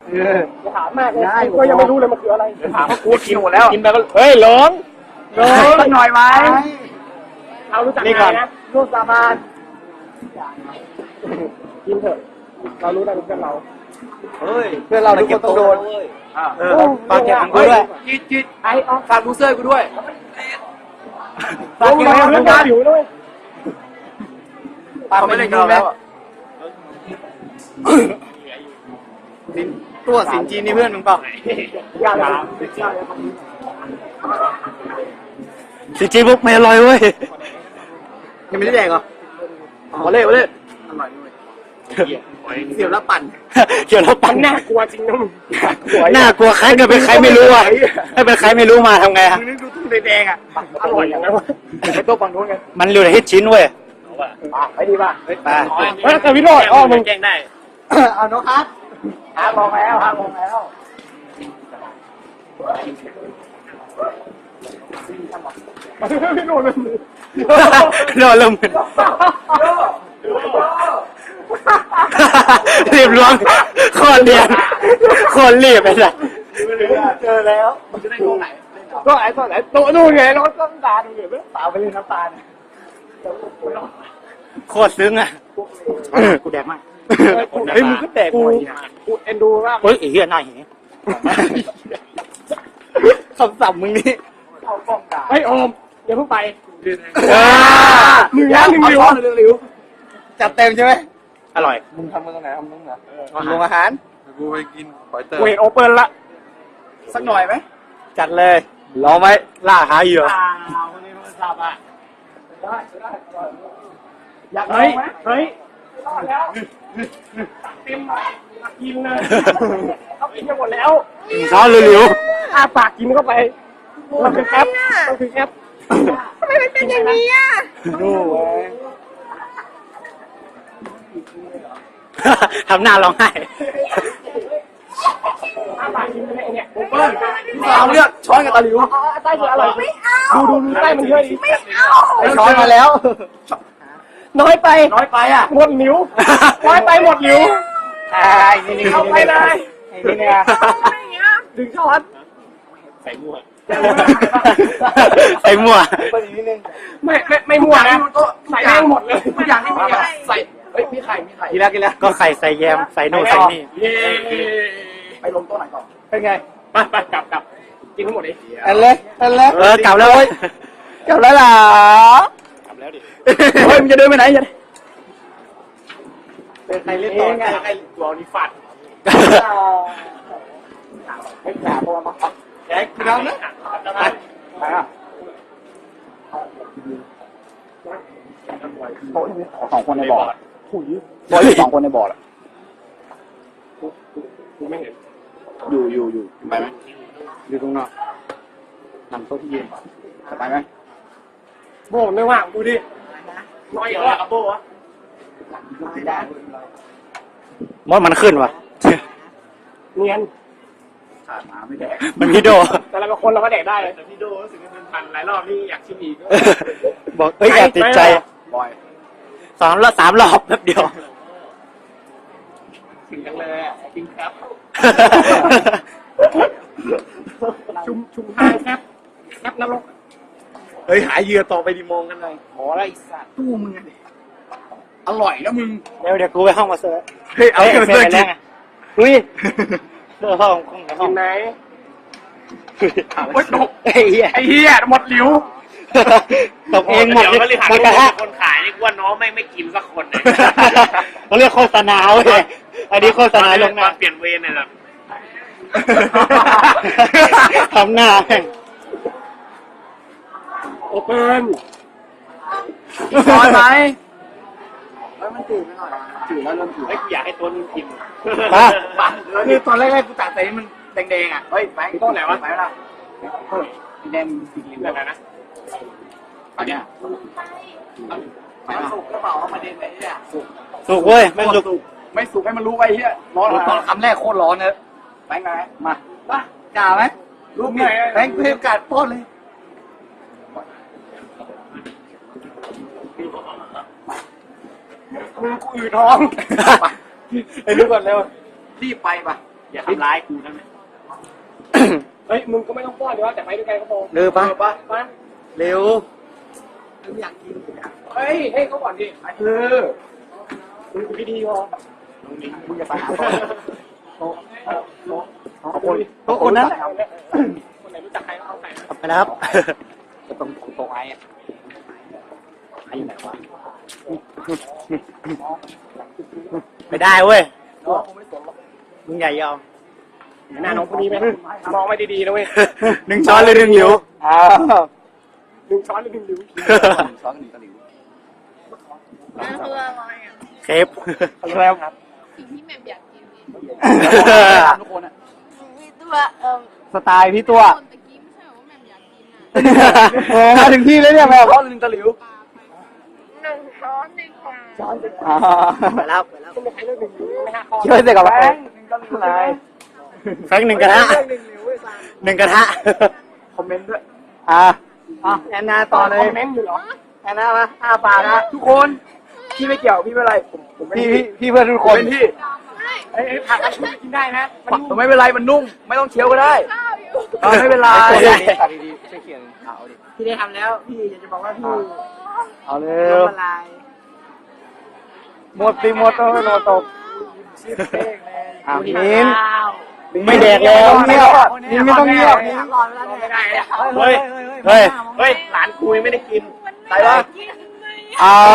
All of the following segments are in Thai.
จะถามมากเลยก็ยังไม่รู้เลยมันคืออะไรถามว่ากูกินหมดแล้วกินไปก็เฮ้ยหลงสักหน่อยไหมเรารู้จักนี่ก่อนนะรูปสาบานกินเถอะเรารู้ได้เพื่อนเราเฮ้ยเพื่อนเราทุกคนต้องโดนฝากเก็บของกูด้วยจิตไอ้ออฝากลูเซอร์กูด้วยฝากเก็บของกูด้วยเขาไม่เล่นกันแล้วตัวสินจีนนี่เพื่อนมึงเปล่าสินจีนปุ๊บไม่อร่อยเว้ยยังไม่ได้แดกเหรอมาเล่อร่อยด้วยเกี่ยวแล้วปั่นเกี่ยวแล้วปั่นน่ากลัวจริงนะมึงน่ากลัวใครก็เป็นใครไม่รู้อ่ะถ้าเป็นใครไม่รู้มาทำไงอ่ะมึงนึกดูตุ้งแดงอ่ะอร่อยอย่างไรวะไปโต๊ะฝั่งนู้นกันมันเหลือฮิตชิ้นเว้ยไปดีป่ะไปแต่วิโรจน์อ้อมึงแกงได้เอาโน้ตครับลองแล้วพี่โน่นเลยโดนลมรีบล้วงคนเดียนคนรีบไปเลยเจอแล้วมันจะได้โต๊ะไหนก็ไอ้โต๊ะไหนโต๊ะนู่นไงรถน้ำตาลอยู่ไม่เปล่าไปเลยน้ำตาลโคตรซึ้งอ่ะกูแดกมากเฮ้ยมึงก็แดกกูเอ็นดูมากเฮ้ยไอ้เหี้ยน่าเหี้ยคำศัพท์มึงนี่เฮ้ยโอมอย่าเพิ่งไปหนึ่งริ้วจัดเต็มใช่ไหมอร่อยมึงทำมึงตรงไหนทำมึงเหรอลงอาหารกูไปกินหอยเต๋อเวทโอเปิลละสักหน่อยไหมจัดเลยรอไหมล่าหาเหยื่อวันนี้มันสับอ่ะอยากลองไหมเฮ้ยแล้วเต็มกินเลยเขากินหมดแล้วช้อนเร็วๆปากกินเข้าไปมันคือแคปทำไมมันเป็นอย่างนี้อ่ะดูทำหน้าร้องไห้ปากกินไปเนี่ยโอเปิลเอาเลือกช้อนกับตะหลิวใต้คืออร่อยไม่เอาดูใต้มันเยอะดีไม่เอาช้อนมาแล้วน้อยไปอ่ะหมดนิ้วน้อยไปหมดนิ้วนี่เอาไปเลยนี่เนี่ยดึงช้อนใส่มั่วไม่มั่วนะใส่แม่งหมดเลยทุกอย่างที่มีใส่มีไข่กินแล้วก็ไข่ใส่แยมใส่โน่ใส่นี่ไปลงโต๊ะไหนก่อนเป็นไงไปกลับกินทั้งหมดดิอันเล็กกลับแล้วเว้ยกลับแล้วเหรอกลับแล้วดิเฮ้ยมึงจะเดินไปไหนจะเป็นใครเล่นต่อใครตัวนี้ฟัดไม่กล้าเพราะว่ามาแกกินแล้วนะไปอ่ะโต๊ะนี้2 คนในบ่อถุยบ่อ2 คนในบ่อละกูไม่เห็นอยู่ไปไหมอยู่ตรงนอกนำโต๊ะที่ยืนไปไหมโบ้ไม่ว่างดูดิน้อยกว่ากับโบ้อะมดมันขึ้นวะเนียนขาดมาไม่แดกมันพี่โดแต่ละคนเราก็แดกได้แต่พี่โดรู้สึกเป็นพันหลายรอบนี่อยากชิมอีกบอกแอบติดใจบ่อย3 รอบแป๊บเดียวถึงจังเลยอ่ะกินครับชุมทางครับนรกเฮ้ยหาเหยื่อต่อไปดิมองกันเลยขออะไรสัตว์ตู้มึงอร่อยนะมึงเดี๋ยวกูไปห้องมาเสิร์ฟเฮ้ยเอาไปเสิร์ฟกินอุ้ยห้องไหนโอ๊ยตกไอ้เหี้ยหมดหลิวตกเองหมดมันกระทะคนขายนี่ว่าน้องไม่กินสักคนเลยเขาเรียกโฆษณาเว้ยอันนี้โฆษณาลงหน้าเปลี่ยนเวรเลยแบบทำหน้าแม่งโอเปิลร้อนไหมมันจืดไปหน่อยจืดแล้วเริ่มจืดอยากให้ตัวนึงกินคือตอนแรกๆกูตักใส่มันแดงๆอ่ะเฮ้ยไปต้นไหนวะไปแล้วแดงสีเหลืองนะอันเนี้ยสุกกระเป๋าเอามาเด่นไหนเนี่ยสุกเว้ยไม่สุกให้มันรู้ไว้เฮียร้อนตอนคำแรกโคตรร้อนเลยไปไงมาจ่าไหมรูปไหนแบงค์เพิ่มกัดป้อนเลยกูอืดท้องไปรู้ก่อนเร็วรีบไปป่ะอย่าทำร้ายกูนะเฮ้ยมึงก็ไม่ต้องป้อนเดี๋ยวแต่ไปด้วยกันก็พอเร็วปะมาเร็วเฮ้ยให้เขาก่อนดิมึงพี่ดีพอมึงอย่าไปหาคนนั้นคนไหนรู้จักใครก็เอาใครไปแล้วครับจะต้องโตไอ้อะไอ้ไหนวะไม่ได้เว้ยมึงใหญ่ยอมหน้าน้องคนนี้ไหมมองไม่ดีๆนะเว้ย 1 ช้อนเลย1 หลิวอ้าว 1 ช้อนหรือ1 หลิวช้อน1 ตะหลิวมันคืออะไรอ่ะเคฟแล้วครับสิ่งที่แม่อยากกินนี่ทุกคนอะมีตัวสไตล์พี่ตัวคนตะกี้ไม่ใช่ว่าแม่อยากกินอ่ะมาถึงที่แล้วเนี่ยแม่เพราะ1 ตะหลิว 1 ช้อนดีกว่าไปแล้วต้องมีใครเลือก1 หลิวไม่5 ข้อช่วยเสกกับแฟงแฟง1 กระทะ 1 กระทะคอมเมนต์ด้วยแอนนาต่อเลยคอมเมนต์อยู่เหรอแอนนามา5 ปากนะทุกคนพี่ไม่เกี่ยวพี่ไม่เป็นไรผมพี่เพื่อนทุกคนเป็นพี่เฮ้ยผักอันนี้กินได้นะมันนุ่มไม่เป็นไรมันนุ่มไม่ต้องเคี้ยวก็ได้ข้าวอยู่ไม่เป็นไรตัดดีๆช่วยเขียนเอาดิพี่ได้ทำแล้วพี่อยากจะบอกว่าพี่เอาเร็วละลายหมดสิหมดต้องโนตกชื่อเพลงเลยมิ้นไม่แดกแล้วเงียบมิ้นไม่ต้องเงียบไม่ได้เนี่ยเฮ้ยเฮ้ยเฮ้ยหลานคุยไม่ได้กินใส่วะกินไหมอ้าว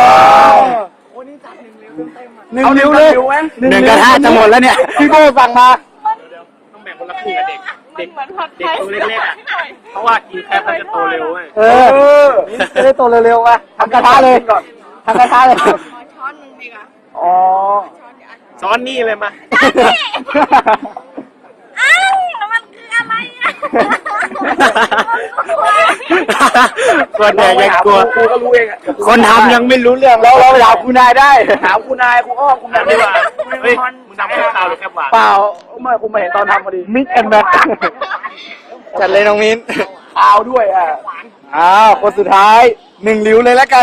1 นิ้วเลย1 กระทะจะหมดแล้วเนี่ยพี่โก้สั่งมาต้องแบ่งคนละครึ่งกับเด็กเด็กเหมือนผัดไทเด็กยตัวเล็กๆอ่ะเพราะว่ากินแคปมันจะโตเร็วเว้ยจะได้โตเร็วๆมาทำกระทะเลยทำกระทะเลยขอช้อนหนึ่งดีกว่าอ๋อช้อนเดียวซ้อนนี่เลยมาอ้าวมันคืออะไรอ่ะคนแดกยังกลัวกูก็รู้เองอ่ะคนทำยังไม่รู้เรื่องแล้วเราถามคุณนายได้ถามคุณนายคุณอ้อมคุณนายดีกว่าเฮ้ยมึงทำแค่ข่าวหรือแค่หวานเปล่าไม่คุณมาเห็นตอนทำพอดีมิกแอนด์แมทจัดเลยน้องมิ้นข่าวด้วยอ่ะอ้าวคนสุดท้าย1 หลิวเลยแล้วกัน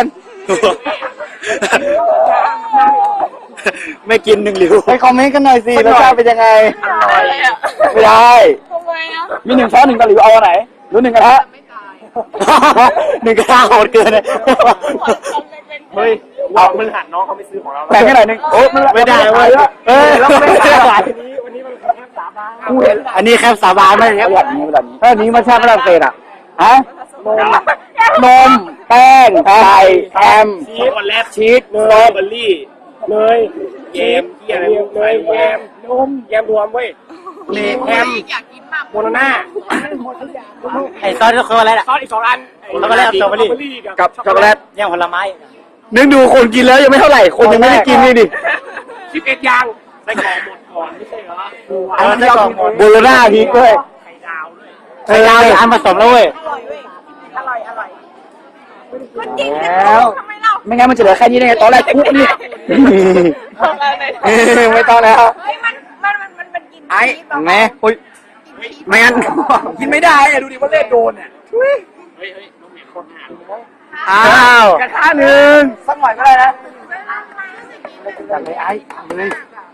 ไม่กิน1 หลิวไปคอมเมนต์กันหน่อยสิรสชาติเป็นยังไงอร่อยไม่ได้ทำไมอ่ะมี1 ช้อน1 ตะหลิวเอาอันไหนหรือ1 กระทะไม่ตาย 1 กระทะโหดเกินเลยเฮ้ยเรามึงหันน้องเขาไม่ซื้อของเราแบ่งให้หน่อยนึงโอ้ไม่ได้เว้ยเอ้ยแล้วไม่ได้วันนี้มันแค่3 บาทกูเห็นอันนี้แค่สาบานไม่ใช่แบบนี้แบบนี้ถ้าอันนี้มาชาติฝรั่งเศสอ่ะฮะนมแป้งไข่แฮมช็อกโกแลตชีสเนยเบอร์รี่เนยแยมที่อะไรเนยแยมนมแยมรวมเว้ยนี่แฮมอยากกินมากโมโนน่าไอ้ซอสก็คืออะไรล่ะซอสอีก2 อันช็อกโกแลตสตรอเบอรี่กับช็อกโกแลตย่างผลไม้นึกดูคนกินแล้วยังไม่เท่าไหร่คนยังไม่ได้กินนี่ดิ 11 อย่างใส่กล่องหมดก่อนไม่ใช่เหรออันนี้โบโลน่าพีกด้วยไข่ดาวด้วยไข่ดาวอันผสมแล้วเว้ยอร่อยเว้ยอร่อยอร่อยมันกินแล้วทำไมเราไม่งั้นมันจะเหลือแค่นี้ได้ไงตอนแรกคุกนี่ ไม่ต้องแล้วเฮ้ยมันกินไอ้ชีสแบบแม่อุ้ยไม่งั้นกินไม่ได้อะดูดิว่าเล่โดนเนี่ยเฮ้ยน้องเหมียวคนหาอ้าวกระทะหนึ่งสักหน่อยก็ได้นะจัดเลยไอ้เลย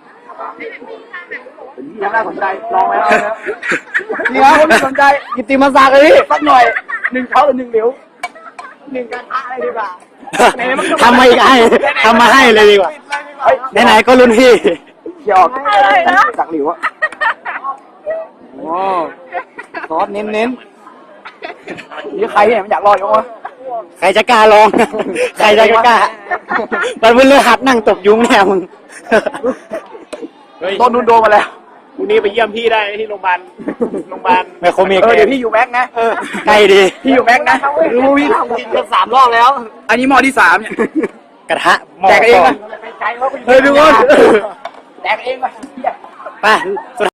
ยังน่าสนใจลองแล้วนี่ครับคนที่สนใจกิตติมาศักดิ์เลยสักหน่อย1 ช้อนหรือ1 หลิว 1 กระทะอะไรดีกว่าทำมาอีกให้ทำมาให้เลยดีกว่าไหนๆก็รุ่นพี่เกี่ยวจากหลิวอะโอ้ซอสเน้นนี่ใครเนี่ยมันอยากรอดยังวะใครจะกล้าลองใครจะกล้ามันเพิ่งเลือกหัดนั่งตบยุงแน่มึง ต้นนู้นโดนมาแล้วพรุ่งนี้ไปเยี่ยมพี่ได้ที่โรงพยาบาลไมโครเมกเดี๋ยวพี่อยู่แม็กนะใกล้ดีพี่อยู่แม็กนะรู้พี่ทำกินกัน3 รอบแล้ว อันนี้หม้อที่3เนี่ยกระทะแจกเองป่ะเฮ้ยทุกคนแจกเองป่ะไป